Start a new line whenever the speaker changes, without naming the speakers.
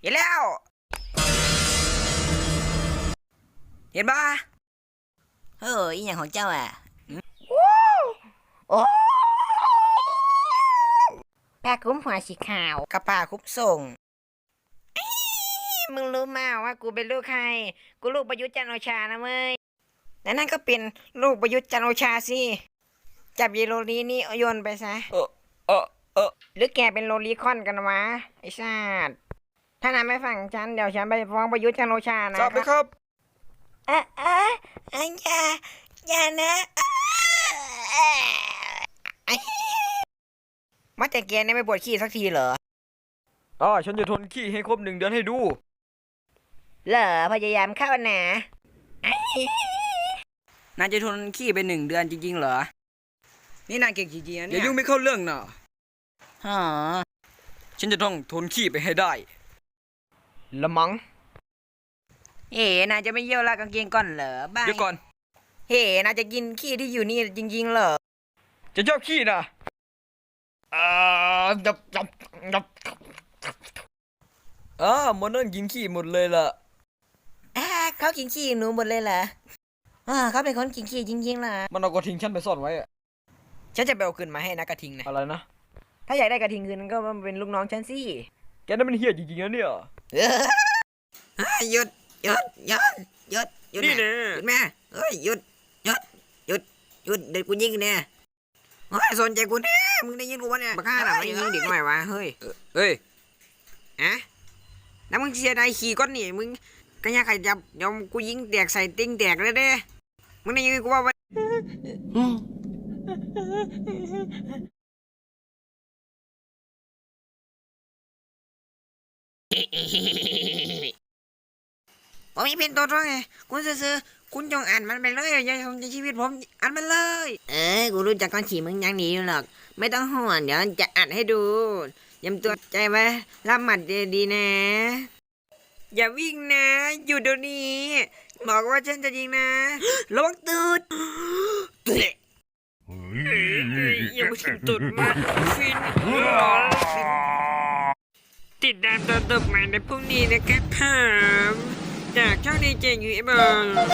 เห็นแล้วเห็นปะเฮ้ยอย่างของเจ้าอ่ะโอ้
ผ้าคลุมหัวสีขาว
กระป่าคุบส่ง
มึงรู้มาว่ากูเป็นลูกใคร กูลูกประยุทธ์จันทร์โอชานะเว้ย
และนั่นก็เป็นลูกประยุทธ์จันทร์โอชาสิจับยีโรลีนี่โยนไปซะหรือแกเป็นโรลีคอนกันวะไอ้ชาติถ้านายไม่ฟังฉันเดี๋ยวฉันไปฟ้องประยุทธ์จันทร์โอชานะ
จับไปครับ
อย่านะมาแต่แกเนี่ยไม่ปวดขี้สักทีเหรอ
ฉันจะทนขี้ให้ครบ1 เดือนให้ดู
เหรอพยายามเข้าหนา
นายจะทนขี้ไป1 เดือนจริงๆเหรอ นี่นายเก่งจริงๆนะ
อ
เนี่
ย่าย ยุ่งไม่เข้าเรื่องนะ
ฮะ
ฉันจะต้องทนขี้ไปให้ได้ละมัง
เอ๋นายจะไม่เยี่ยวลากกางเกงก่อนเหรอบ้า
เดี๋ยวก่อน
เฮ้นายจะกินขี้ที่อยู่นี่จริงๆเหรอ
จะชอบขี้นะจับมันนั่นกินขี้หมดเลยล่ะ
เขากินขี้หนูหมดเลยเหรอเขาเป็นคนกินขี้จริงๆเหรอ
มันเอากระทิงฉันไปซ่อนไว้อะ
ฉันจะไปเอาคืนมาให้นะกระทิงนะ
อะไรนะ
ถ้าอยากได้กระทิงคืนก็มาเป็นลูกน้องฉันสิ
แกนั่นมันเหี้ยจริงๆนะเนี่ย
หยุดหยุดหยุดหยุดหยุด
นี่
แม่
แน่
หยุดแม่เฮ้ยหยุดหยุดหยุดหยุดเด็กกูยิงเนี่ยเฮ้ยสนใจกูแน่มึงได้ยินกูวะเนี่ยบักฆ่าหน่ะไม่ยิงเด็กหน่อยวะเฮ้ย
เฮ้ย
อะแล้วมึงเสียดายขี่ก้อนนี่มึงก็ยังใครจับยอมกูยิงแตกใส่ติ้งแตกเลยเด้มึงได้ยินกูว่า ผมมีเป็นตัวตนไงคุณซื้อๆคุณจงอ่านมันไปเลยอย่าทำในชีวิตผมอ่านมันเลย กูรู้จักก้อนฉี่มึงยังหนีอยู่หรอก ไม่ต้องห่วงเดี๋ยวจะอ่านให้ดูยำตัวใจไว้รับหมัดดีๆนะ อย่าวิ่งนะ อยู่เดี๋ยวนี้บอกว่าฉันจะยิงนะระวังตูดอย่ามาถึงตูดมาฟินติดตามตอนต่อไปในพรุ่งนี้นะครับผมจากช่องดีเจยูเอฟ